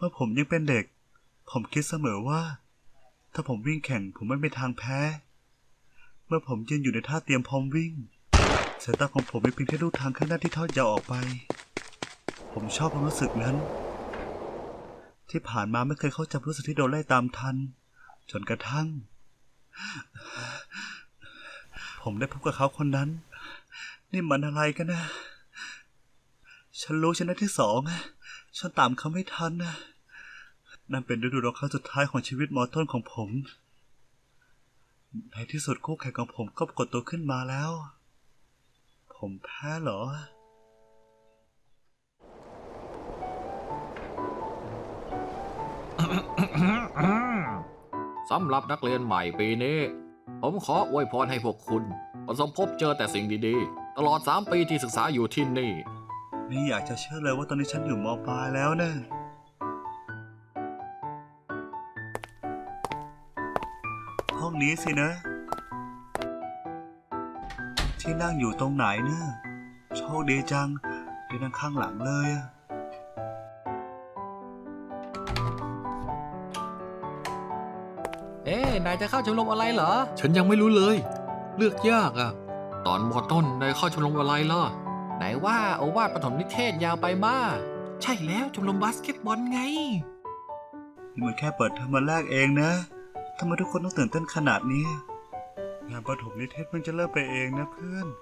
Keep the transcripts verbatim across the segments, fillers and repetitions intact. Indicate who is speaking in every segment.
Speaker 1: มื่อผมยังเป็นเด็กผมคิดเสมอว่าถ้าผมวิ่งแข่งผมไม่มีทางแพ้เมื่อผมยืนอยู่ในท่าเตรียมพร้อมวิ่งสายตาของผมไม่เพียงแค่ดูทางข้างหน้าที่ทอดยาวออกไปผมชอบความรู้สึกนั้นที่ผ่านมาไม่เคยเข้าใจรู้สึกที่โดนไล่ตามทันจนกระทั่งผมได้พบกับเขาคนนั้นนี่มันอะไรกันนะฉันรู้ชนะที่สองฉันตามเขาไม่ทันนะนั่นเป็นฤดูร้อนครั้งสุดท้ายของชีวิตมอต้นของผมในที่สุดคู่แข่งของผมก็ปรากฏตัวขึ้นมาแล้วผมแพ้เหรอ
Speaker 2: สำหรับนักเรียนใหม่ปีนี้ผมขออวยพรให้พวกคุณประสบพบเจอแต่สิ่งดีๆตลอดสามปีที่ศึกษาอยู่ที่นี่
Speaker 1: ไม่อยากจะเชื่อเลยว่าตอนนี้ฉันอยู่ม.ปลายแล้วนะห้องนี้สินะที่นั่งอยู่ตรงไหนนะโชคดีจังได้นั่งข้างหลังเลยอะ
Speaker 2: เอ๊ะนายจะเข้าชมรมอะไรเหรอ
Speaker 3: ฉันยังไม่รู้เลยเลือกยากอ่ะ
Speaker 2: ตอนมอต้นนายเข้าชมรมอะไรล่ะไหนว่าโอวาทปฐมนิเทศยาวไปมาใช่แล้วชมรมบาสเกตบอลไง
Speaker 1: นี่มันแค่เปิดเทอมวันแรกเองนะทำไมทุกคนต้องตื่นเต้นขนาดนี้งานประถมนิเทศเพิ่งจะเริ่มไปเองนะเพื่อน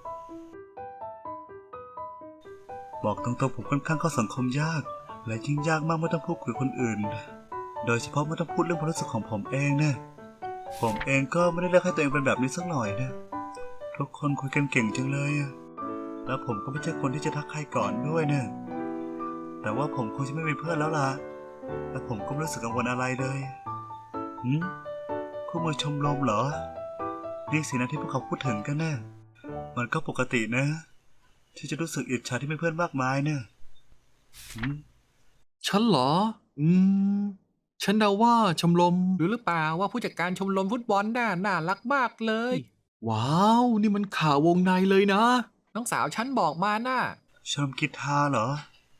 Speaker 1: บอกตรงๆผมค่อนข้างเข้าสังคมยากและยิ่งยากมากเมื่อต้องพูดคุยกับคนอื่นโดยเฉพาะเมื่อต้องพูดเรื่องความรู้สึกของผมเองนะผมเองก็ไม่ได้เลือกให้ตัวเองเป็นแบบนี้สักหน่อยนะทุกคนคุยกันเก่งจังเลยแล้วผมก็ไม่ใช่คนที่จะทักใครก่อนด้วยนะแต่ว่าผมคงจะไม่มีเพื่อนแล้วล่ะและผมก็ไม่รู้สึกกังวลอะไรเลยหืมคู่มือชมรมเหรอนี่สินะที่พวกเขาพูดถึงกันนะมันก็ปกตินะที่จะรู้สึกอิจฉาที่มีเพื่อนมากมายเนี่ยหืม
Speaker 3: ฉันเหรออืมฉันเดาว่าชมรม
Speaker 2: หรือหรือเปล่าว่าผู้จัดการชมรมฟุตบอลน่าน่ารักมากเลย
Speaker 3: ว้าวนี่มันข่าววงในเลยนะ
Speaker 2: น้องสาวฉันบอกมาน่ะ
Speaker 1: ชมรมกีตาร์เหรอ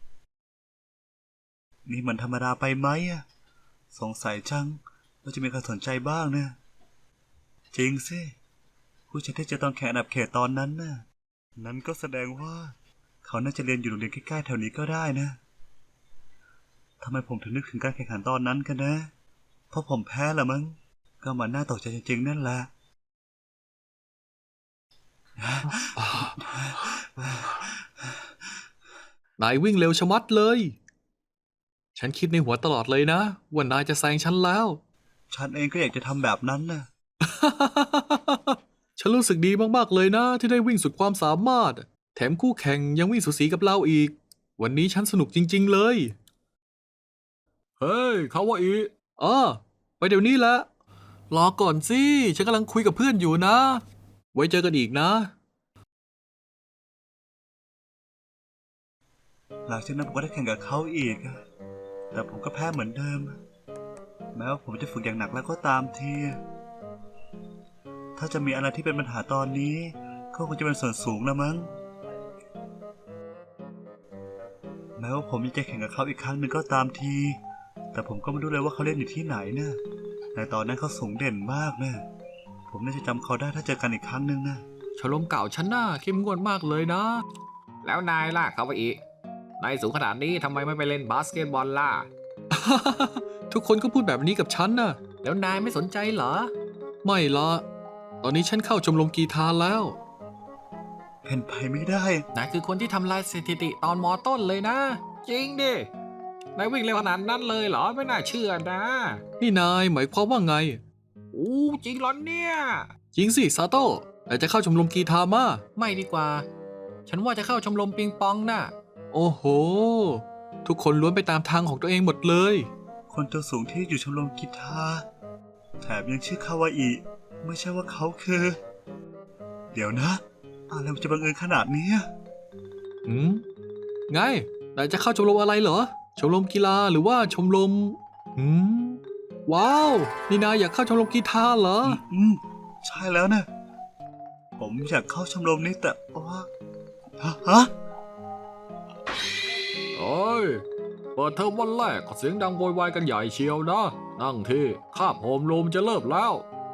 Speaker 1: นี่มันธรรมดาไปไหมอะสงสัยจังว่าจะมีใครสนใจบ้างเนี่ยจริงสิผู้ชายที่เจอตอนแข่งอันดับเขตตอนนั้นน่ะนั้นก็แสดงว่าเขาน่าจะเรียนอยู่โรงเรียนใกล้ๆแถวนี้ก็ได้นะทำไมผมถึงนึกถึงการแข่งขันตอนนั้นกันนะเพราะผมแพ้ละมั้งก็มันน่าตกใจจริงๆนั่นแหละ
Speaker 3: นายวิ่งเร็วชะมัดเลยฉันคิดในหัวตลอดเลยนะว่านายจะแซงฉันแล้ว
Speaker 1: ฉันเองก็อยากจะทำแบบนั้นนะ
Speaker 3: ฉันรู้สึกดีมากๆเลยนะที่ได้วิ่งสุดความสามารถแถมคู่แข่งยังวิ่งสูสีกับเราอีกวันนี้ฉันสนุกจริงๆเลย
Speaker 2: เฮ้ยคาวาอิ
Speaker 3: อ๋อไปเดี๋ยวนี้แหละรอก่อนสิฉันกำลังคุยกับเพื่อนอยู่นะไว้เจอกันอีกนะ
Speaker 1: หลังจากนั้นผมก็ได้แข่งกับเขาอีกแต่ผมก็แพ้เหมือนเดิมแม้ว่าผมจะฝึกอย่างหนักแล้วก็ตามทีถ้าจะมีอะไรที่เป็นปัญหาตอนนี้ก็คงจะเป็นส่วนสูงแล้วมั้งแม้ว่าผมจะแข่งกับเขาอีกครั้งหนึ่งก็ตามทีแต่ผมก็ไม่รู้เลยว่าเขาเล่นอยู่ที่ไหนนะแต่ตอนนั้นเขาสูงเด่นมากนะผมน่าจะจำเขาได้ถ้าเจอกันอีกครั้งหนึ่งนะ
Speaker 2: ชมรมเก่าฉันน่ะเข้มงวดมากเลยนะแล้วนายล่ะคาวาอินายสูงขนาดนี้ทำไมไม่ไปเล่นบาสเกตบอลล่ะ
Speaker 3: ทุกคนก็พูดแบบนี้กับฉันนะ
Speaker 2: แล้วนายไม่สนใจเหรอ
Speaker 3: ไม่ละตอนนี้ฉันเข้าชมรมกีฬาแล้ว
Speaker 1: เป็นไปไม่ได้
Speaker 2: นายคือคนที่ทำลายสถิติตอนมอต้นเลยนะจริงดินายวิ่งเร็วขนาดนั้นเลยเหรอไม่น่าเชื่อนะ
Speaker 3: นี่นายหมายความว่าไง
Speaker 2: อู้จริงเหรอเนี่ย
Speaker 3: จริงสิซาโต้แต่จะเข้าชมรมกีฬามา
Speaker 2: ไม่ดีกว่าฉันว่าจะเข้าชมรมปิงปองน่ะ
Speaker 3: โอ้โหทุกคนล้วนไปตามทางของตัวเองหมดเลย
Speaker 1: คนตัวสูงที่อยู่ชมรมกีฬาแถมยังชื่อคาวาอิไม่ใช่ว่าเขาคือ เดี๋ยวนะอะไรมันจะบังเอิญขนาดนี้
Speaker 3: อืมไงนายจะเข้าชมรมอะไรเหรอชมรมกีฬาหรือว่าชมรมอืมว้าวนี่นายอยากเข้าชมรมกีฬาเหรอ
Speaker 1: อืมใช่แล้วนะผมอยากเข้าชมรมนี้แต่ว่าฮะ
Speaker 2: โอ้ยเปิดเทอมวันแรกก็เสียงดังโวยวายกันใหญ่เชียวนะ นั่งที่คาบโฮมรูมจะเลิกแล้ว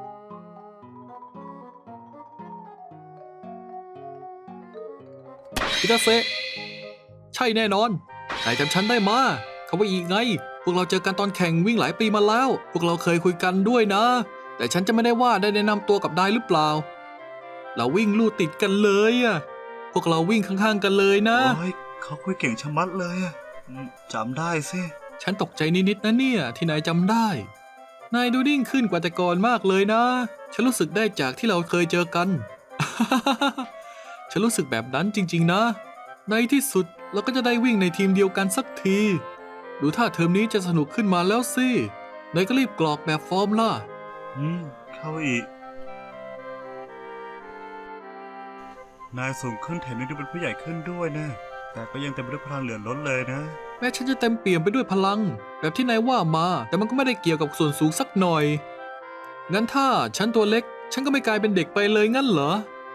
Speaker 3: คิตาเซะใช่แน่นอนนายจำฉันได้มาเขาว่าอีกไง พวกเราเจอกันตอนแข่งวิ่งหลายปีมาแล้ว พวกเราเคยคุยกันด้วยนะ แต่ฉันจะไม่ได้ว่าได้แนะนำตัวกับนายหรือเปล่า เราวิ่งลู่ติดกันเลยอะพวกเราวิ่งข้างๆกันเลยนะ
Speaker 1: โอ้ยเขาคุยเก่งชะมัดเลยอะอืมจำได้สิ
Speaker 3: ฉันตกใจนิดๆนะเนี่ยที่นายจำได้ นายดูนิ่งขึ้นกว่าแต่ก่อนมากเลยนะ ฉันรู้สึกได้จากที่เราเคยเจอกัน ฉันรู้สึกแบบนั้นจริงๆนะ ในที่สุดเราก็จะได้วิ่งในทีมเดียวกันสักที ดูท่าเทอมนี้จะสนุกขึ้นมาแล้วสิ นายก็รีบกรอกแบบฟอร์มล่ะ
Speaker 1: อืม เข้าอีก นายสูงขึ้นแถมยังดูเป็นผู้ใหญ่ขึ้นด้วยนะ แต่ก็ยังเต็มไปด้วยพลังเหลือล้นเลยนะ
Speaker 3: แม้ฉันจะเต็มเปี่ยมไปด้วยพลัง แบบที่นายว่ามา แต่มันก็ไม่ได้เกี่ยวกับส่วนสูงสักหน่อย งั้นถ้าฉันตัวเล็ก ฉันก็ไม่กลายเป็นเด็กไปเลยงั้นเหรอ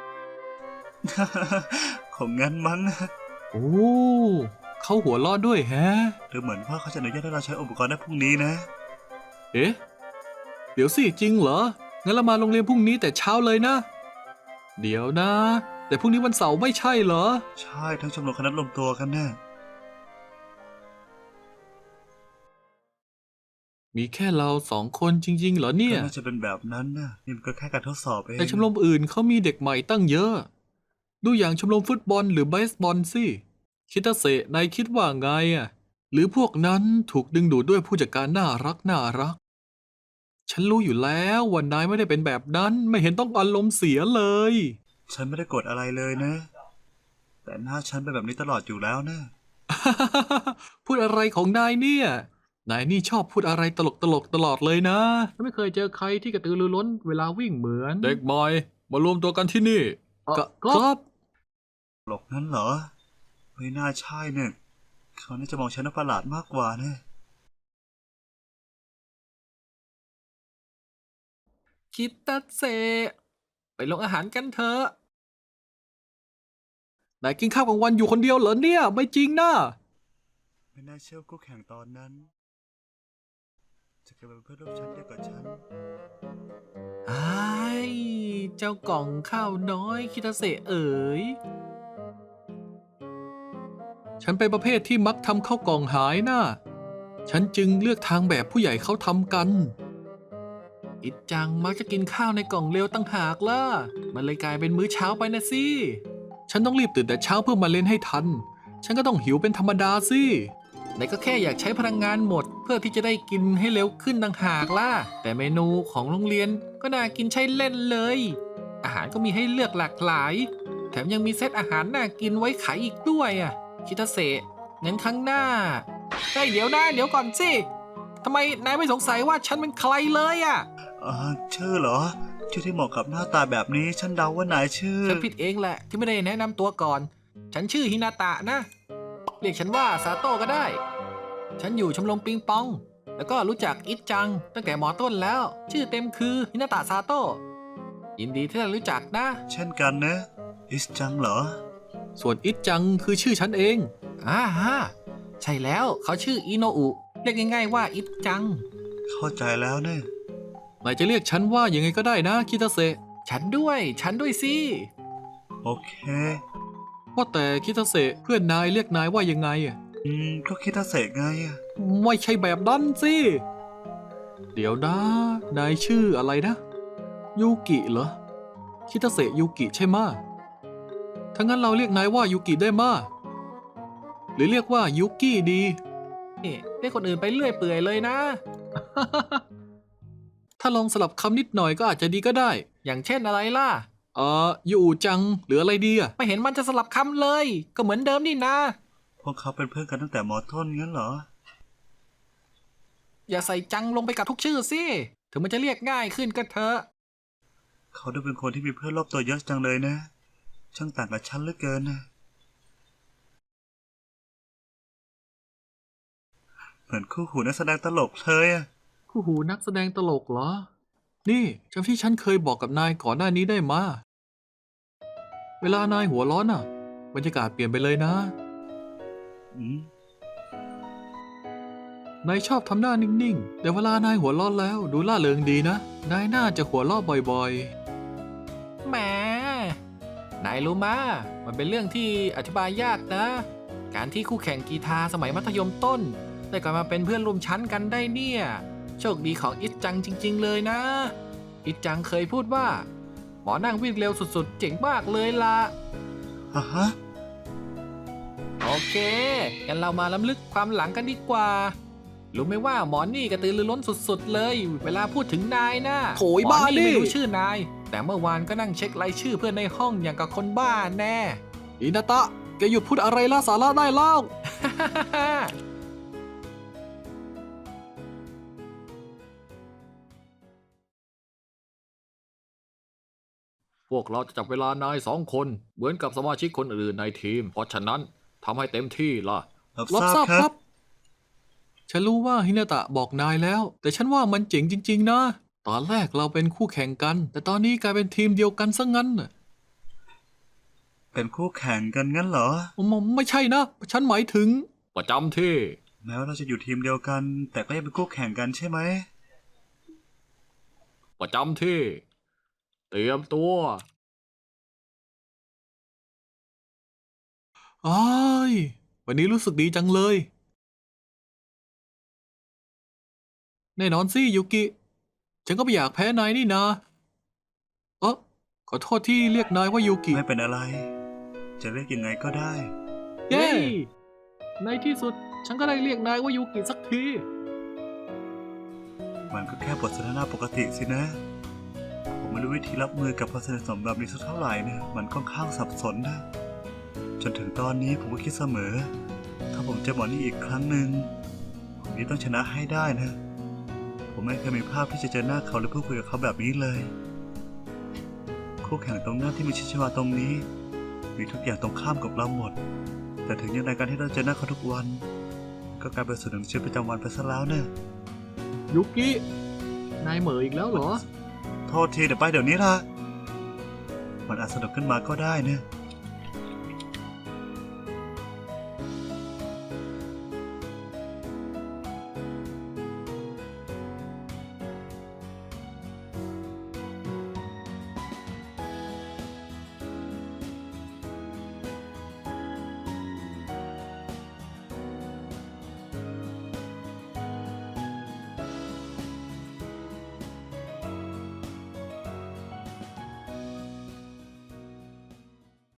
Speaker 1: ของงั้นมั้ง
Speaker 3: โอ้เขาหัวเราะด้วยแฮะ
Speaker 1: หรือเหมือนว่าเขาจะอนุญาตให้เราใช้อุปกรณ์ได้พรุ่งนี้นะ
Speaker 3: เอ๊ะ เดี๋ยวสิจริงเหรอ งั้นเรามาโรงเรียนพรุ่งนี้แต่เช้าเลยนะ เดี๋ยวนะ แต่พรุ่งนี้วันเสาร์ไม่ใช่เหรอ
Speaker 1: ใช่ทั้งชมรมคณะรวมตัวกันแน่
Speaker 3: มีแค่เราสองคนจริงๆเหรอเนี่ย
Speaker 1: ก็น่าจะเป็นแบบนั้นนะนี่มันก็แค่การทดสอบเอง
Speaker 3: แต่ชมรมอื่นเขามีเด็กใหม่ตั้งเยอะ ดูอย่างชมรมฟุตบอลหรือเบสบอลสิ คิตาเซะนายคิดว่าไงอ่ะ หรือพวกนั้นถูกดึงดูดด้วยผู้จัดการน่ารักน่ารัก ฉันรู้อยู่แล้วว่านายไม่ได้เป็นแบบนั้น ไม่เห็นต้องอารมณ์เสียเลย
Speaker 1: ฉันไม่ได้กดอะไรเลยนะ แต่หน้าฉันเป็นแบบนี้ตลอดอยู่แล้วนะ
Speaker 3: พูดอะไรของนายเนี่ย นายนี่ชอบพูดอะไรตลกตลกๆตลอดเลยนะ ไม่เคยเจอใครที่กระตือรือร้นเวลาวิ่งเหมือน
Speaker 2: เด็กใหม่มารวมตัวกันที่นี่
Speaker 3: ก็ครับ
Speaker 1: หลอกนั้นเหรอ ไม่น่าใช่เนี่ยเขาน่าจะมองฉันว่าประหลาดมากกว่านะ
Speaker 3: คิตาเซะไปลงอาหารกันเถอะ นายกินข้าวกลางวันอยู่คนเดียวเหรอเนี่ย ไม่จริงนะ
Speaker 1: ไม่น่าเชื่อคู่แข่งตอนนั้น จะกลายเป็นเพื่อนร่วมชั้นเดียวกับฉัน
Speaker 3: ไอ้เจ้ากล่องข้าวน้อยคิตาเซะเอ๋ย ฉันเป็นประเภทที่มักทำข้าวกล่องหายนะ่ะฉันจึงเลือกทางแบบผู้ใหญ่เขาทำกัน อิดจังมักจะกินข้าวในกล่องเร็วตั้งหากล่ะ มันเลยกลายเป็นมื้อเช้าไปนะสิ ฉันต้องรีบตื่นแต่เช้าเพื่อมาเล่นให้ทัน ฉันก็ต้องหิวเป็นธรรมดาสิไหนก็แค่อยากใช้พลังงานหมด เพื่อที่จะได้กินให้เร็วขึ้นต่างหากล่ะ แต่เมนูของโรงเรียนก็น่ากินใช้เล่นเลย อาหารก็มีให้เลือกหลากหลาย แถมยังมีเซตอาหารน่ากินไว้ขายอีกด้วยอ่ะ คิตาเซะงั้นครั้งหน้าเฮ้ยเดี๋ยวนะเดี๋ยวก่อนสิทำไมนายไม่สงสัยว่าฉันเป็นใครเลยอ่ะ
Speaker 1: อ่าชื่อเหรอ ชื่อที่เหมาะกับหน้าตาแบบนี้ ฉันเดาว่านายชื่อ
Speaker 3: ฉันผิดเองแหละที่ไม่ได้แนะนำตัวก่อน ฉันชื่อฮินาตะนะ เรียกฉันว่าซาโต้ก็ได้ ฉันอยู่ชมรมปิงปอง แล้วก็รู้จักอิดจังตั้งแต่มอต้นแล้ว ชื่อเต็มคือฮินาตะซาโต้ยินดีที่ได้รู้จักนะ
Speaker 1: เช่นกันนะ อิสจังเหรอ
Speaker 3: ส่วนอิดจังคือชื่อฉันเองอ่าฮะใช่แล้วเขาชื่ออิโนอุเรียกง่ายๆว่าอิดจัง
Speaker 1: เข้าใจแล้วเนะ
Speaker 3: นายจะเรียกฉันว่ายังไงก็ได้นะคิตาเซะฉันด้วย ฉันด้วยสิ
Speaker 1: โอเค
Speaker 3: ว่าแต่คิตาเซะเพื่อนนายเรียกนายว่ายังไงอะ
Speaker 1: อืม ก็คิดถ้าเสกไงอะ
Speaker 3: ไม่ใช่แบบนั้นสิ เดี๋ยวนะ นายชื่ออะไรนะ ยูกิเหรอ คิตาเซะยูกิใช่ไหมะถ้างั้นเราเรียกนายว่ายูกิได้มาหรือเรียกว่ายูกิดีนี่เรียกคนอื่นไปเรื่อยเปื่อยเลยนะ ถ้าลองสลับคำนิดหน่อยก็อาจจะดีก็ได้ อย่างเช่นอะไรล่ะ เอ่อยูจังหรืออะไรดีอะไม่เห็นมันจะสลับคำเลย ก็เหมือนเดิมนี่นะ
Speaker 1: พวกเขาเป็นเพื่อนกันตั้งแต่มอต้นงั้นเหรอ
Speaker 3: อย่าใส่จังลงไปกับทุกชื่อสิถึงมันจะเรียกง่ายขึ้นก็เถอะ
Speaker 1: เขาดูเป็นคนที่มีเพื่อนรอบตัวเยอะจังเลยนะ ช่างต่างกับฉันเหลือเกินนะ เหมือนคู่หูนักแสดงตลกเลยอะ
Speaker 3: คู่หูนักแสดงตลกเหรอ นี่จำที่ฉันเคยบอกกับนายก่อนหน้านี้ได้มาเวลานายหัวร้อนอ่ะบรรยากาศเปลี่ยนไปเลยนะ
Speaker 1: อืม
Speaker 3: นายชอบทำหน้านิ่งๆ แต่เวลานายหัวเราะแล้วดูล่าเริงดีนะ นายน่าจะหัวเราะบ่อยๆ
Speaker 2: แหม นายรู้มามันเป็นเรื่องที่อธิบายยากนะ การที่คู่แข่งกีฬาสมัยมัธยมต้น ได้กลับมาเป็นเพื่อนร่วมชั้นกันได้เนี่ย โชคดีของอิจจังจริงๆเลยนะ อิจจังเคยพูดว่า หมอนั่งวิ่งเร็วสุดๆ เจ๋งมากเลยล่ะ
Speaker 1: อ่ะฮะ
Speaker 2: โอเคงั้นเรามาล้ำลึกความหลังกันดีกว่า รู้ไหมว่าหมอนี่กระตือรือร้นสุดๆเลย เวลาพูดถึงนายนะ
Speaker 3: โถย
Speaker 2: หมอ
Speaker 3: บ้า
Speaker 2: นี่
Speaker 3: ดิ
Speaker 2: ไม่รู้ชื่อนาย แต่เมื่อวานก็นั่งเช็ครายชื่อเพื่อนในห้องอย่างกับคนบ้าแน่
Speaker 3: อินาตะ แกหยุดพูดอะไรล่าสาระได้แล้ว
Speaker 2: พวกเราจะจับเวลานายสองคนเหมือนกับสมาชิกคนอื่นในทีม เพราะฉะนั้นทำให้เต็มที่ล่ะ
Speaker 1: รับ
Speaker 3: รับ
Speaker 1: ท
Speaker 3: ท
Speaker 1: รา
Speaker 3: รา
Speaker 1: บบ ค
Speaker 3: ค
Speaker 1: รั
Speaker 3: รับ บ ฉันรู้ว่าฮินาตะบอกนายแล้ว แต่ฉันว่ามันเจ๋งจริงๆนะ ตอนแรกเราเป็นคู่แข่งกัน แต่ตอนนี้กลายเป็นทีมเดียวกันซะงั้นน่ะ
Speaker 1: เป็นคู่แข่งกันงั้นเหรอ
Speaker 3: มไม่ใช่นะ ฉันหมายถึง
Speaker 2: ประจำที่
Speaker 1: แม้ว่าเราจะอยู่ทีมเดียวกัน แต่ก็ยังเป็นคู่แข่งกันใช่ไหม
Speaker 2: ประจำที่ เตรียมตัว
Speaker 3: อ้ายวันนี้รู้สึกดีจังเลย แน่นอนสิยูกิ ฉันก็ไม่อยากแพ้นายนี่นาเออขอโทษที่เรียกนายว่ายูกิ
Speaker 1: ไม่เป็นอะไร จะเรียกยังไงก็ได้
Speaker 3: เย้ในที่สุดฉันก็ได้เรียกนายว่ายูกิสักที
Speaker 1: มันก็แค่บทสนทนาปกติสินะ ผมไม่รู้วิธีรับมือกับความสนิทสนมแบบนี้สักเท่าไหร่นะมันค่อนข้างสับสนนะ จนถึงตอนนี้ผมก็คิดเสมอ ถ้าผมเจอหมอนี่อีกครั้งหนึ่งผมนี่ต้องชนะให้ได้นะ ผมไม่เคยมีภาพที่จะเจอหน้าเขาหรือพูดคุยกับเขาแบบนี้เลย คู่แข่งตรงหน้าที่มีชิชวาตรงนี้ มีทุกอย่างตรงข้ามกับเราหมด แต่ถึงอย่างไรการที่เราเจอหน้าเขาทุกวัน ก็กลายเป็นส่วนหนึ่งของชีวิตประจำวันไปซะแล้วเนี่ย
Speaker 3: ยูกิ นายเหม่ออีกแล้วเหรอ
Speaker 1: โทษทีเดี๋ยวไปเดี๋ยวนี้ละมันอาจสนุกขึ้นมาก็ได้เนี่ย